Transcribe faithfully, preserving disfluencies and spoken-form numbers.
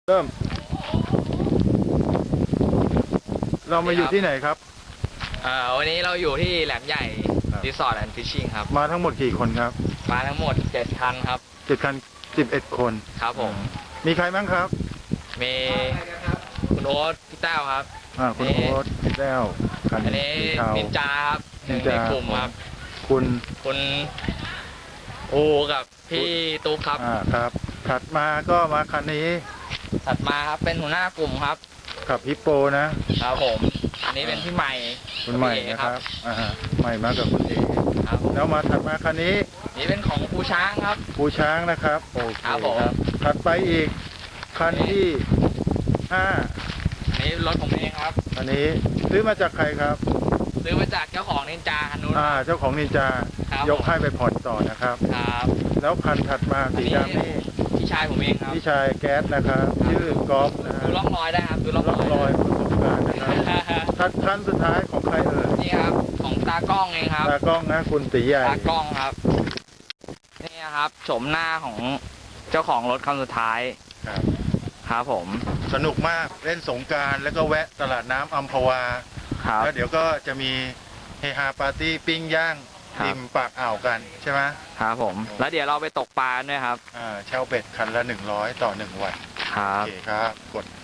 เริ่มเรามาอยู่ที่ไหนครับเอ่อวันนี้เราอยู่ที่แหลมใหญ่รีสอร์ทแอนด์ฟิชชิ่งครับมาทั้งหมดกี่คนครับมาทั้งหมดเจ็ดคันครับเจ็ดคันสิบเอ็ดคนครับผมมีใครบ้างครับมีคุณโอ๊ตพี่แต้วครับอ่าคุณโอ๊ตพี่แต้วคันอันนี้นินจาครับหนึ่งในกลุ่มครับคุณคุณอูกับพี่ตุ๊กครับอ่าครับถัดมาก็มาคันนี้ถัดมาครับเป็นหัวหน้ากลุ่มครับกับฮิปโปนะครับผมอันนี้เป็นพี่ใหม่คุณใหม่นะครับอ่าใหม่มากับคุณเอ๋ครับแล้วมาถัดมาคันนี้นี่เป็นของปูช้างครับปูช้างนะครับโอเคครับผมถัดไปอีกคันที่ห้าอันนี้รถผมเองครับอันนี้ซื้อมาจากใครครับซื้อมาจากเจ้าของนินจาคันนู้นอ่าเจ้าของนินจายกให้ไปผ่อนต่อนะครับครับแล้วคันถัดมาสีดำนี่พี่ชายผมเองครับพี่ชายแก๊สนะครับชื่อกอล์ฟนะดูร่องรอยได้ครับดูร่องรอยประสบการณ์นะครับคันคันสุดท้ายของใครเอ่ยนี่ครับของตากล้องเองครับตากล้องนะคุณตีใหญ่ตากล้องครับนี่ครับโฉมหน้าของเจ้าของรถคันสุดท้ายครับครับผมสนุกมากเล่นสงกรานต์แล้วก็แวะตลาดน้ำอัมพวาแล้วเดี๋ยวก็จะมีเฮฮาปาร์ตี้ปิ้งย่างริมปากอ่าวกันใช่ไหมครับผมแล้วเดี๋ยวเราไปตกปลาด้วยครับอ่าเช่าเบ็ดคันละหนึ่งร้อยต่อหนึ่งวันครับโอเคครับกด